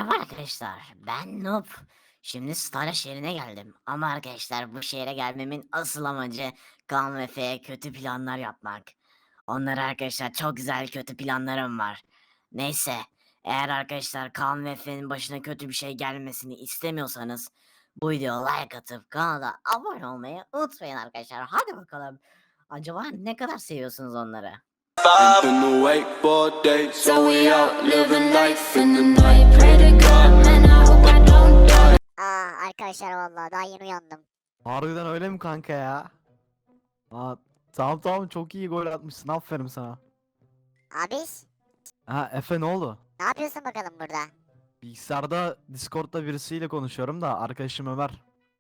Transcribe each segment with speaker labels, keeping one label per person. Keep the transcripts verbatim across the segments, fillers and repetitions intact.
Speaker 1: Merhaba arkadaşlar, ben Noob. Şimdi Stara şehrine geldim. Ama arkadaşlar bu şehre gelmemin asıl amacı Kaan ve Efe'ye kötü planlar yapmak. Onlara arkadaşlar çok güzel kötü planlarım var. Neyse, eğer arkadaşlar Kaan ve Efe'nin başına kötü bir şey gelmesini istemiyorsanız bu videoya like atıp kanala abone olmayı unutmayın arkadaşlar. Hadi bakalım. Acaba ne kadar seviyorsunuz onları?
Speaker 2: Ain't been awake for days, so we out living life in the night. Pray to God, man, I hope I don't die.
Speaker 3: Aa arkadaşlar vallahi daha yeni uyandım.
Speaker 4: Harbiden öyle mi kanka ya? Aa, tamam tamam çok iyi gol atmışsın, aferin sana.
Speaker 3: Abiş
Speaker 4: Ha Efe, ne oldu?
Speaker 3: ne yapıyorsun bakalım burada?
Speaker 4: Bilgisayarda Discord'da birisiyle konuşuyorum da, arkadaşım Ömer.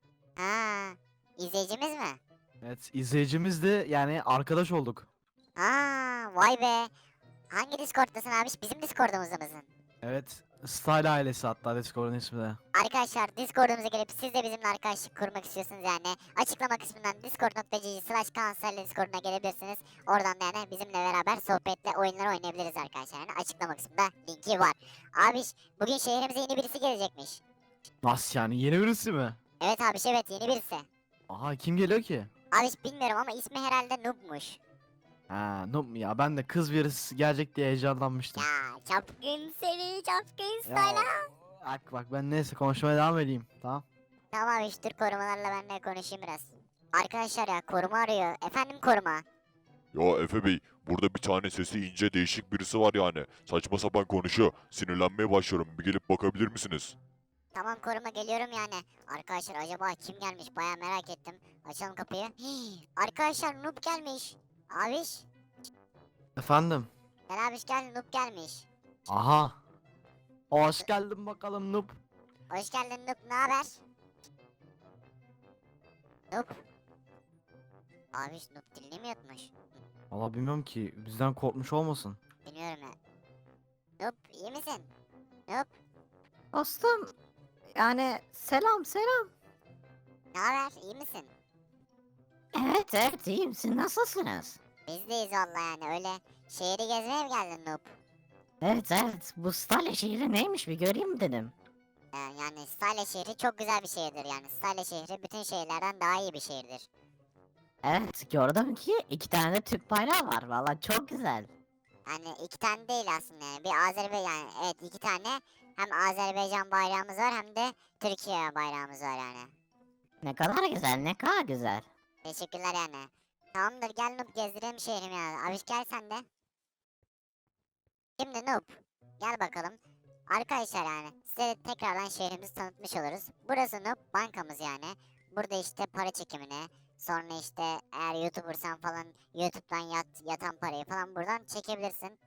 Speaker 3: Ha izleyicimiz mi?
Speaker 4: Evet, izleyicimizdi, yani arkadaş olduk.
Speaker 3: Aa vay be. Hangi Discord'dasın abiş? Bizim Discord'umuzda mısın?
Speaker 4: Evet, Style ailesi hatta Discord'un ismi de.
Speaker 3: Arkadaşlar Discord'umuza gelip siz de bizimle arkadaşlık kurmak istiyorsunuz yani. Açıklama kısmından discord.gg slash kanserli Discord'una gelebilirsiniz. Oradan da yani bizimle beraber sohbetle oyunlar oynayabiliriz arkadaşlar. Yani açıklama kısmında linki var. Abiş bugün şehrimize yeni birisi gelecekmiş.
Speaker 4: Nasıl yani, yeni birisi mi?
Speaker 3: Evet abiş evet yeni birisi.
Speaker 4: Aha, kim geliyor ki?
Speaker 3: Abiş bilmiyorum ama ismi herhalde Noob'muş.
Speaker 4: Ha, noob mu ya, ben de kız birisi gelecek diye heyecanlanmıştım.
Speaker 3: Ya çapkın seni çapkın
Speaker 4: Ya,
Speaker 3: style.
Speaker 4: bak bak, ben neyse konuşmaya devam edeyim, tamam.
Speaker 3: Tamam abi dur korumalarla ben de konuşayım biraz. Arkadaşlar ya koruma arıyor. Efendim koruma.
Speaker 5: Ya Efe Bey, burada bir tane sesi ince değişik birisi var yani. Saçma sapan konuşuyor. Sinirlenmeye başlıyorum. Bir gelip bakabilir misiniz?
Speaker 3: Tamam koruma geliyorum yani. Arkadaşlar acaba kim gelmiş baya merak ettim. Açalım kapıyı. Hii, arkadaşlar Noob gelmiş. Abiş.
Speaker 4: Efendim?
Speaker 3: Gel abiş gel Noob gelmiş.
Speaker 4: Aha. Hoş geldin bakalım noob.
Speaker 3: Hoş geldin Noob ne haber? Noob. Abiş Noob dilini mi yutmuş?
Speaker 4: Valla bilmiyorum ki, bizden korkmuş olmasın.
Speaker 3: Bilmiyorum ya. Noob iyi misin? Noob
Speaker 1: Dostum, yani selam selam.
Speaker 3: ne haber iyi misin?
Speaker 1: Evet evet iyiyim, siz nasılsınız?
Speaker 3: Biz deyiz valla yani öyle şehri gezmeye mi geldin Noob?
Speaker 1: Evet evet, bu Stalya şehri neymiş bir göreyim dedim.
Speaker 3: Ee, yani Stalya şehri çok güzel bir şehirdir yani. Stalya şehri bütün şehirlerden daha iyi bir şehirdir.
Speaker 1: Evet, gördüm ki iki tane de Türk bayrağı var, valla çok güzel.
Speaker 3: Yani iki tane değil aslında yani. Bir Azerbaycan yani evet iki tane hem Azerbaycan bayrağımız var hem de Türkiye bayrağımız var yani.
Speaker 1: Ne kadar güzel, ne kadar güzel.
Speaker 3: Teşekkürler yani. Tamamdır gel Noob gezdirelim şehrimi yani. Abiş gel sen de. Şimdi Noob gel bakalım. Arkadaşlar yani size tekrardan şehrimizi tanıtmış oluruz. Burası Noob bankamız yani. Burada işte para çekimini sonra işte eğer YouTuber'san falan YouTube'dan yat, yatan parayı falan buradan çekebilirsin.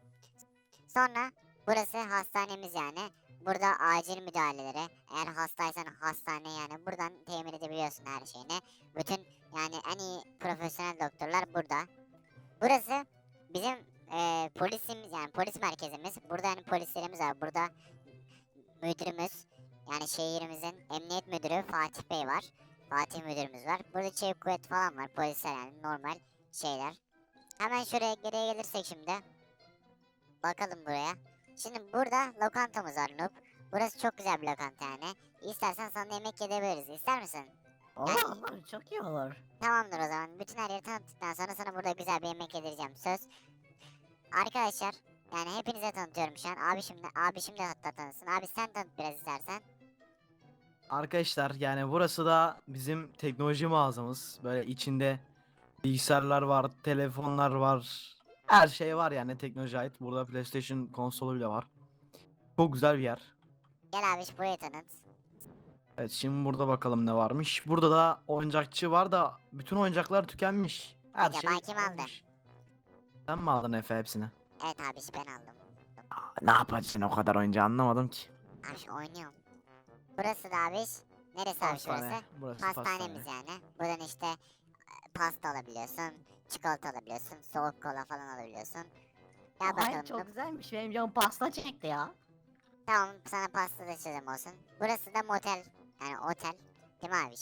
Speaker 3: Sonra burası hastanemiz yani. Burada acil müdahaleleri eğer hastaysan hastane yani buradan temin edebiliyorsun her şeyini. Bütün yani en iyi profesyonel doktorlar burada. Burası bizim eee polisimiz yani polis merkezimiz. Burada yani polislerimiz var. Burada müdürümüz yani şehrimizin emniyet müdürü Fatih Bey var. Fatih müdürümüz var. Burada çevik kuvvet falan var. Polisler yani normal şeyler. Hemen şuraya geriye gelirsek şimdi. Bakalım buraya. Şimdi burada lokantamız var Noob. Burası çok güzel bir lokanta yani. İstersen sana yemek yedebiliriz. İster misin?
Speaker 1: Olur olur, çok iyi olur.
Speaker 3: Tamamdır o zaman. Bütün her yeri tanıttıktan sonra sana burada güzel bir yemek yedireceğim. Söz. Arkadaşlar yani hepinize tanıtıyorum şu an. Abi şimdi abi şimdi hatta tanısın. Abi sen tanıt biraz istersen.
Speaker 4: Arkadaşlar yani burası da bizim teknoloji mağazamız. Böyle içinde bilgisayarlar var, telefonlar var. Her şey var yani teknoloji ait. Burada PlayStation konsolu bile var. Çok güzel bir yer.
Speaker 3: Gel abi burayı tanıt.
Speaker 4: Evet, şimdi burada bakalım ne varmış. Burada da oyuncakçı var da bütün oyuncaklar tükenmiş. Her
Speaker 3: Acaba
Speaker 4: şey
Speaker 3: kim aldı?
Speaker 4: ölmüş. Sen mi aldın Efe hepsini?
Speaker 3: Evet abi ben aldım.
Speaker 4: Ne yapacaksın o kadar oyuncağı, anlamadım ki.
Speaker 3: Abi oynuyorum. Burası da abi. Neresi abi şurası?
Speaker 4: Burası
Speaker 3: Pastanemiz
Speaker 4: pastane.
Speaker 3: yani. Buradan işte e, pasta alabiliyorsun. Çikolata alabiliyorsun. Soğuk kola falan alabiliyorsun. Gel bakalım.
Speaker 1: Ay çok
Speaker 3: Noob.
Speaker 1: güzelmiş, benim canım pasta çekti ya.
Speaker 3: Tamam sana pasta da çözüm olsun. Burası da motel. Yani otel. Değil mi abi?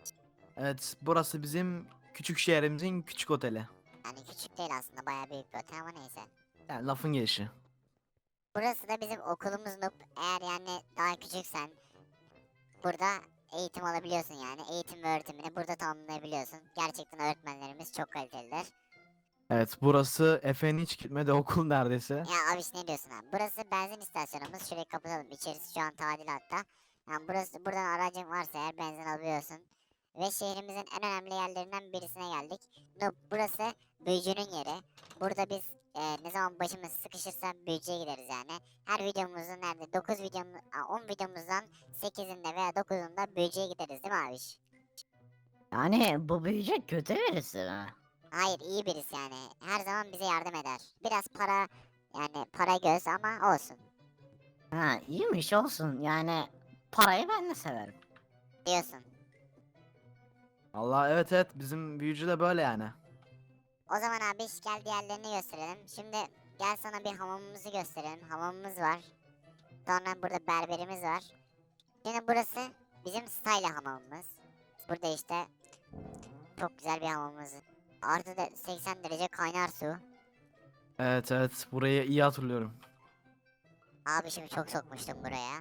Speaker 4: Evet, burası bizim küçük şehrimizin küçük oteli.
Speaker 3: Yani küçük değil aslında bayağı büyük bir otel ama neyse.
Speaker 4: Yani lafın gelişi.
Speaker 3: Burası da bizim okulumuz Noob. Eğer yani daha küçüksen burada eğitim alabiliyorsun yani. Eğitim ve öğretimini burada tamamlayabiliyorsun. Gerçekten öğretmenlerimiz çok kalitelidir.
Speaker 4: Evet, burası Efe'nin hiç gitmediği okul neredeyse.
Speaker 3: Ya abiş ne diyorsun abi? Burası benzin istasyonumuz. Şurayı kapatalım. İçerisi şu an tadilatta. Yani burası buradan aracın varsa eğer benzin alıyorsun. Ve şehrimizin en önemli yerlerinden birisine geldik. Noob, burası büyücünün yeri. Burada biz e, ne zaman başımız sıkışırsa büyücüye gideriz yani. Her videomuzun nerede dokuz videomuz, on videomuzdan sekizinde veya dokuzunda büyücüye gideriz değil mi abiş?
Speaker 1: Yani bu büyücü kötü birisi mi?
Speaker 3: Hayır, iyi birisi yani. Her zaman bize yardım eder. Biraz para yani para göz ama olsun
Speaker 1: Ha, iyiymiş olsun. Yani parayı ben de severim.
Speaker 3: diyorsun.
Speaker 4: Allah, evet evet, bizim büyücü de böyle yani.
Speaker 3: O zaman abi gel diğerlerini gösterelim. Şimdi gel sana bir hamamımızı gösterelim. Hamamımız var. Sonra burada berberimiz var. Şimdi burası bizim style hamamımız. Burada işte çok güzel bir hamamımız. Artı da seksen derece kaynar su.
Speaker 4: Evet evet, burayı iyi hatırlıyorum.
Speaker 3: Abi şimdi çok sokmuştum buraya.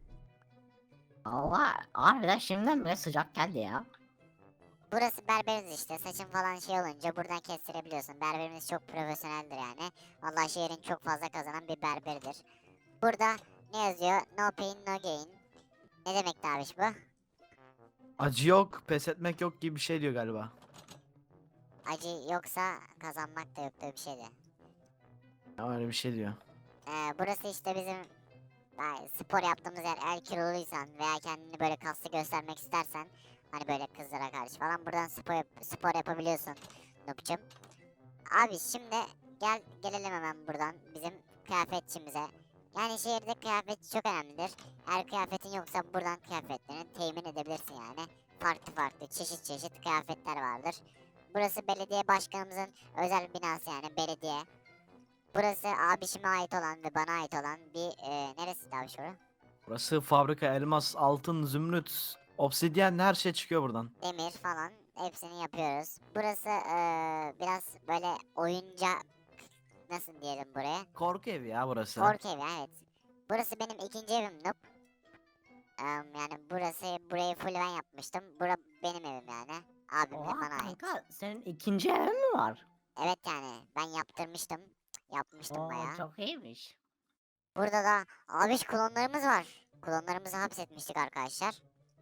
Speaker 1: Allah harbiden şimdiden bile sıcak geldi ya.
Speaker 3: Burası berberimiz işte. Saçın falan şey olunca buradan kestirebiliyorsun. Berberimiz çok profesyoneldir yani. Vallahi şehrin çok fazla kazanan bir berberidir. Burada ne yazıyor? No pain no gain. Ne demek abiş bu?
Speaker 4: Acı yok, pes etmek yok gibi bir şey diyor galiba.
Speaker 3: Acı yoksa kazanmak da yok diye bir şeydi.
Speaker 4: Ya öyle bir şey diyor.
Speaker 3: Ee, burası işte bizim ay, spor yaptığımız yer. Eğer kiloluysan veya kendini böyle kaslı göstermek istersen hani böyle kızlara karşı falan buradan spor, yap- spor yapabiliyorsun Nupçum. Abi şimdi gel gelelim hemen buradan bizim kıyafetçimize. Yani şehirde kıyafetçi çok önemlidir. Eğer kıyafetin yoksa buradan kıyafetlerini temin edebilirsin yani. Farklı farklı çeşit çeşit kıyafetler vardır. Burası belediye başkanımızın özel binası yani belediye. Burası abişime ait olan ve bana ait olan bir e, neresi abi şu?
Speaker 4: Burası fabrika, elmas, altın, zümrüt, obsidyen, her şey çıkıyor buradan.
Speaker 3: Demir falan hepsini yapıyoruz. Burası e, biraz böyle oyuncak nasıl diyelim buraya?
Speaker 4: Korku evi ya burası.
Speaker 3: Korku evi evet. Burası benim ikinci evim Noob. Em, yani burası burayı full ben yapmıştım. Bura benim evim yani. Abim ve
Speaker 1: Oha
Speaker 3: bana ait.
Speaker 1: kanka senin ikinci evin mi var?
Speaker 3: Evet yani ben yaptırmıştım. Yapmıştım
Speaker 1: Oo
Speaker 3: bayağı.
Speaker 1: çok iyiymiş.
Speaker 3: Burada da abiş klonlarımız var. Klonlarımızı hapsetmiştik arkadaşlar.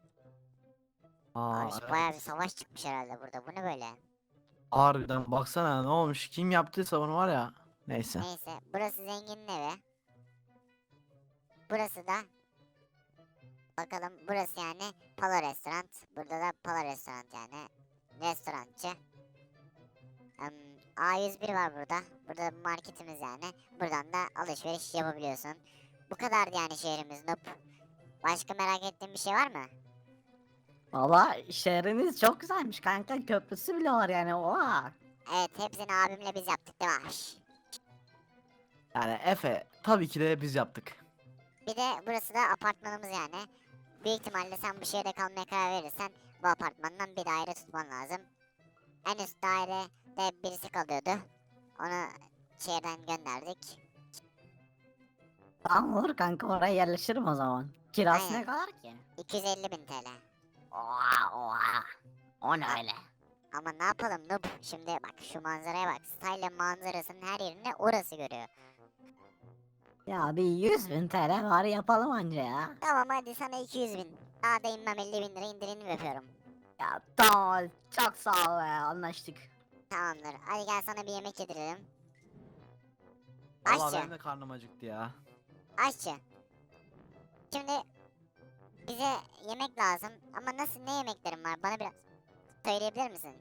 Speaker 4: Aa,
Speaker 3: Abiş
Speaker 4: evet.
Speaker 3: bayağı bir savaş çıkmış herhalde burada. Bu ne böyle?
Speaker 4: Harbiden baksana ne olmuş, kim yaptıysa bunu var ya. Neyse.
Speaker 3: Neyse burası zenginin evi. Burası da bakalım burası yani Pala Restoran. Burada da Pala Restoran yani restorançı. Em, A yüz bir var burada. Burada bir marketimiz yani. Buradan da alışveriş yapabiliyorsun. Bu kadardı yani şehrimiz Noob. Başka merak ettiğin bir şey var mı?
Speaker 1: Valla şehriniz çok güzelmiş kanka. Köprüsü bile var yani. Oha.
Speaker 3: Evet hepsini abimle biz yaptık değil mi abiş?
Speaker 4: Yani Efe tabii ki de biz yaptık.
Speaker 3: Bir de burası da apartmanımız yani. Büyük ihtimalle sen bu şehirde kalmaya karar verirsen bu apartmandan bir daire tutman lazım. En üst dairede birisi kalıyordu. Onu şehirden gönderdik.
Speaker 1: Tamam olur kanka oraya yerleşirim o zaman. Kirası
Speaker 3: Aynen.
Speaker 1: ne kadar ki?
Speaker 3: iki yüz elli bin T L.
Speaker 1: Oha oha. O ne öyle?
Speaker 3: Ama ne yapalım noob? Şimdi bak şu manzaraya bak. Style manzarasının her yerini orası görüyor.
Speaker 1: Ya bir yüz bin T L var yapalım anca ya.
Speaker 3: Tamam hadi sana iki yüz bin. Daha da inmem elli bin lira indirimli yapıyorum.
Speaker 1: Ya tamam çok sağ ol ya anlaştık.
Speaker 3: Tamamdır. Hadi gel sana bir yemek yedirelim.
Speaker 4: Valla
Speaker 3: Aşçı.
Speaker 4: benim de karnım acıktı ya.
Speaker 3: Aşçı. Şimdi bize yemek lazım ama nasıl ne yemeklerin var bana biraz söyleyebilir misin?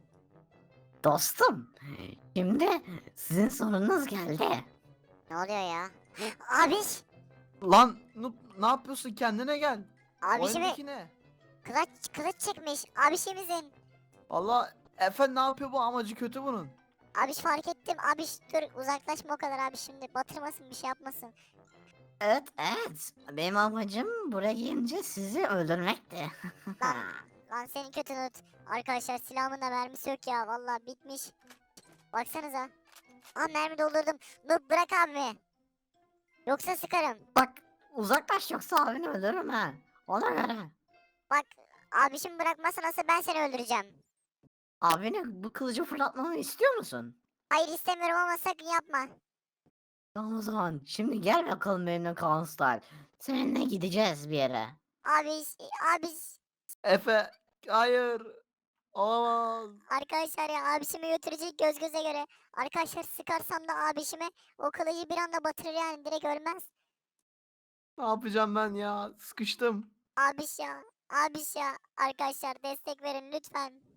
Speaker 1: Dostum şimdi sizin sorunuz geldi.
Speaker 3: Ne oluyor ya? Abiş!
Speaker 4: Lan Nup, ne yapıyorsun, kendine gel.
Speaker 3: Abişimi
Speaker 4: Oyundaki ne?
Speaker 3: kılıç, kılıç çekmiş. Abişimizin.
Speaker 4: Valla Efe ne yapıyor, bu amacı kötü bunun.
Speaker 3: Abiş fark ettim. Abiş dur uzaklaşma o kadar abi şimdi. Batırmasın bir şey yapmasın.
Speaker 1: Evet evet benim amacım buraya gelince sizi öldürmekti.
Speaker 3: Lan, lan senin kötü not. Arkadaşlar silahımın da mermisi yok ya. Vallahi bitmiş. Baksanıza. Aa mermi doldurdum. Noob bırak abimi. Yoksa sıkarım.
Speaker 1: Bak uzaklaş yoksa abini öldürürüm ha. Ona göre.
Speaker 3: Bak abişimi bırakmazsan nasıl ben seni öldüreceğim.
Speaker 1: Abini bu kılıcı fırlatmamı istiyor musun?
Speaker 3: Hayır istemiyorum ama sakın yapma.
Speaker 1: Tamam o zaman. Şimdi gel bakalım benimle Kaan Style. Seninle gideceğiz bir yere.
Speaker 3: Abiş, abiş.
Speaker 4: Efe, hayır. Olamaz.
Speaker 3: Arkadaşlar ya abişimi götürecek göz göze göre. Arkadaşlar sıkarsam da abişime o kılıcı bir anda batırır yani direkt ölmez.
Speaker 4: Ne yapacağım ben ya? Sıkıştım.
Speaker 3: Abiş ya, abiş ya. Arkadaşlar destek verin lütfen.